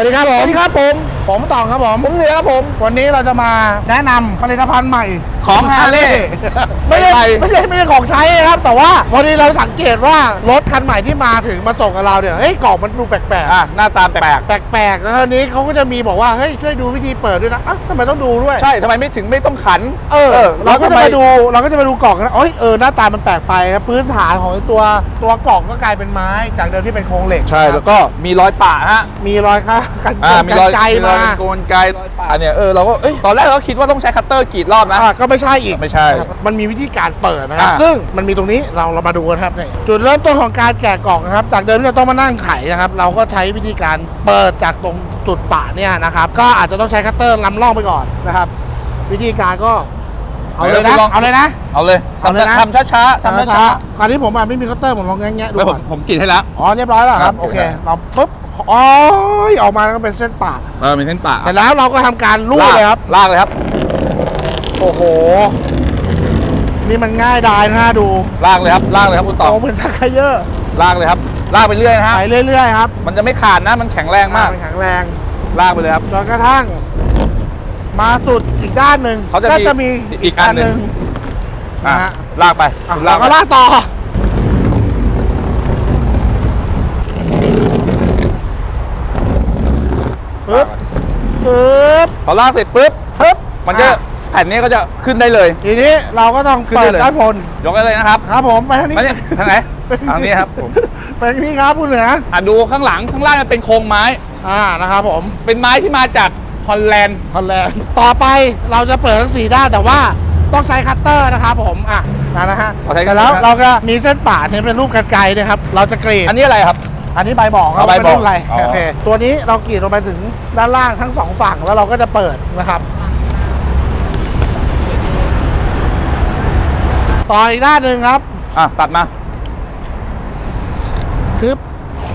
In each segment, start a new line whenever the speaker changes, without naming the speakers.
ดีครับผมผมตองครับผม
เหนือครับผม
วันนี้เราจะมาแนะนำผลิตภัณฑ์ใหม่
ของ Harley
ไม่ใช่ของใช้นะครับแต่ว่าวันนี้เราสังเกตว่ารถคันใหม่ที่มาถึงมาส่งกับเราเนี่ยเฮ้ยกล่องมันดูแปลก
ๆหน้าตาแปล
กแล้วทีนี้เขาก็จะมีบอกว่าเฮ้ยช่วยดูวิธีเปิดด้วยนะทำไมต้องดูด้วย
ใช่ทำไมไม่ต้องขัน
เราก็จะมาดูกล่องกันหน้าตามันแปลกไปครับพื้นฐานของตัวกล่องก็กลายเป็นไม้จากเดิมที่เป็นโครงเหล็ก
ใช่แล้วก็มีรอยปะฮะ
มีรอยค่ะ
มีรอยไกลมาโกนไกลรอยปะเนี่ยเราก็ตอนแรกเราคิดว่าต้องใช้คัตเตอร์กรีดรอบนะ
ก็ไม่ใช่อีก
ไม่ใช่
มันมีวิธีการเปิดนะครับซึ่งมันมีตรงนี้เรามาดูกันครับเนี่ยจุดเริ่มต้นของการแกะกล่องนะครับจากเดิมที่เราต้องมานั่งไขนะครับเราก็ใช้วิธีการเปิดจากตรงจุดปะเนี่ยนะครับก็อาจจะต้องใช้คัตเตอร์ล้ำล่องไปก่อนนะครับวิธีการก็เอาเลยนะ
เอาเลยทำช้า
คราวนี้ผมไม่มีคัตเตอร์ผมลองแงะดูก่อน
ผมกรีดให้แล้ว
เรียบร้อยแล้วครับโอเคเราปุ๊บออกมาแล้วก็เป็นเส้นปะ
เป็นเส้นปะ
แต่แล้วเราก็ทำการลูบเลยครับ
ลากเลยครับ
โอ้โหนี่มันง่ายดายนะดู
ลากเลยครับคุณต่อ
เหมือนชักเขยอ
ลากเลยครับลากไปเรื่อยนะฮะ
ไปเรื่อยๆครับ
มันจะไม่ขาดนะมันแข็งแรงมาก
มันแข็งแรง
ลากไปเลยครับ
จนกระทั่งมาสุดอีกด้านหนึ่ง
เขาจะมีอีกอันหนึ่งลากไป
เราก็ลากต่อปึ๊บ
พอลากเสร็จปึ๊บมันก็แผ่นนี้ก็จะขึ้นได้เลย
ทีนี้เราก็ต้องเปิดด้านบน
ยกได้เลยนะครับ
ครับผมไปทางนี้
ทางไหนทางนี้ครับผม
ไปทางนี้ครับคุณเหนือ
ดูข้างหลังข้างล่างมันเป็นโครงไม้
นะครับผม
เป็นไม้ที่มาจากฮอลแลนด์
ต่อไปเราจะเปิดทั้ง4ด้านแต่ว่าต้องใช้คัตเตอร์นะครับผมนะฮะแล้วเราก็มีเส้นป่าที่เป็นรูปกรรไกรนะครับเราจะกรีด
อันนี้อะไรครับ
อันนี้ใบบอกครับเป็นรุ่นอะไรโอเคตัวนี้เรากรีดลงไปถึงด้านล่างทั้ง2ฝั่งแล้วเราก็จะเปิดนะครับต่ออีกด้านหนึ่งครับ
ตัดมา
คึบ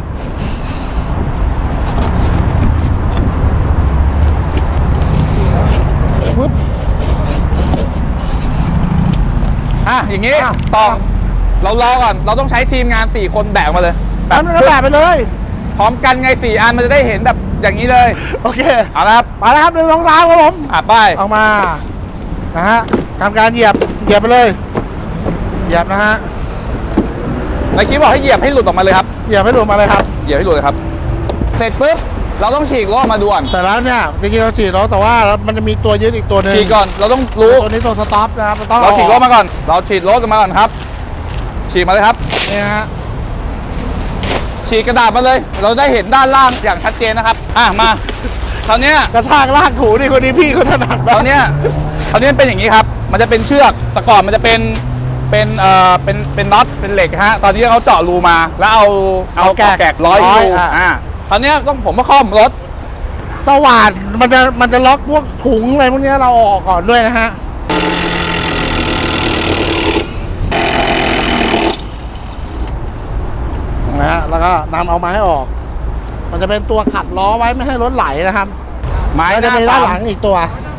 อย่างนี้ต่อเรารอก่อนเราต้องใช้ทีมงาน4คนแบกมาเลย
แบกไปเลย
พร้อมกันไง4อันมันจะได้เห็นแบบอย่างนี้เลย
โอเค
เอาละครับ
มาแล้วครับ1 2 3ครับผม
ป้าย
ออกมานะฮะทำการเหยียบไปเลยเหยียบนะฮะ
ในคลิปบอกให้เหยียบให้หลุดออกมาเลยครับ
เหยียบให้หลุดมาเลยครับ
เหยียบให้หลุดเลยครับเสร็จปุ๊บเราต้องฉีกล้อมาดูก่อน
เสร็จแล้วเนี่ยจริงๆเราฉีกล้อแต่ว่ามันจะมีตัวยึดอีกตัวนึง
ฉีกก่อนเราต้องรู้
ตัวนี้ตัวสต็อปนะครับ
เราฉีกล้อมาก่อนเราฉีกล้อกันมาก่อนครับฉีกมาเลยครับ
นี่ฮะ
ฉีกกระดาษมาเลยเราได้เห็นด้านล่างอย่างชัดเจนนะครับมาคราวนี้
กระชากลากถูนี่คนนี้พี่เขาถนัด
คราวนี้เป็นอย่างนี้ครับมันจะเป็นเชือกแต่ก่อนมันจะเป็นน็อตเป็นเหล็กฮะตอนนี้เขาเจาะรูมาแล้วเอาแกะร้อยรูคราวนี้ผมมาคล่อมรถ
สว่านมันจะล็อกพวกถุงอะไรพวกนี้เราออกก่อนด้วยนะฮะแล้วก็นำเอาไม้ออกมันจะเป็นตัวขัดล้อไว้ไม่ให้รถไหลนะครับ
ไม้
จะมีด้านหลังอีกตัว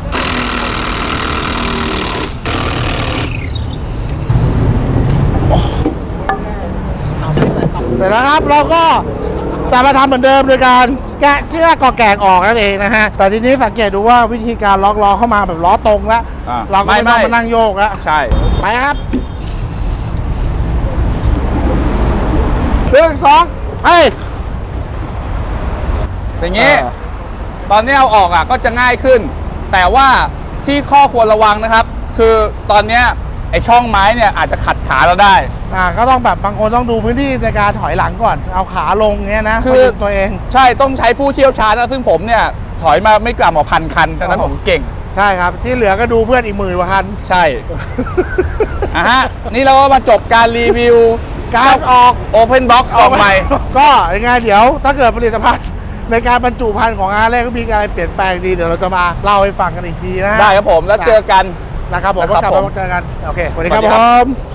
เสร็จแล้วครับเราก็จะมาทำเหมือนเดิมโดยการแกะเชือกแกะออกนั่นเองนะฮะแต่ทีนี้สังเกตดูว่าวิธีการล็อกล้อเข้ามาแบบล้อตรงแล้วเราก็ไม่ต้องมานั่งโยกแล้ว
ใช่
ไปครับ1 2
อย่างนี้ตอนนี้เอาออกก็จะง่ายขึ้นแต่ว่าที่ข้อควรระวังนะครับคือตอนนี้ไอช่องไม้เนี่ยอาจจะขัดขาเราได้
ก็ต้องแบบบางคนต้องดูพื้นที่ในการถอยหลังก่อนเอาขาลงเงี้ยนะ
คือ
ตัวเอง
ใช่ต้องใช้ผู้เชี่ยวชาญนะซึ่งผมเนี่ยถอยมาไม่กล่ำกว่า1,000 คันดังนั้นผมเก่ง
ใช่ครับที่เหลือก็ดูเพื่อนอีก10,000 กว่าคัน
ใช่นี่เราก็มาจบการรีวิว
การออก
Open Box ออกใหม่
ก็ยังไงเดี๋ยวถ้าเกิดผลิตภัณฑ์ในการบรรจุภัณฑ์ของHarleyก็มีการเปลี่ยนแปลงดีเดี๋ยวเราจะมาเล่าให้ฟังกันอีกทีนะ
ได้ครับผมแล้วเจอกัน
นะครับผมก็กลับมาเจอกันโอเคสวัสดีครับผม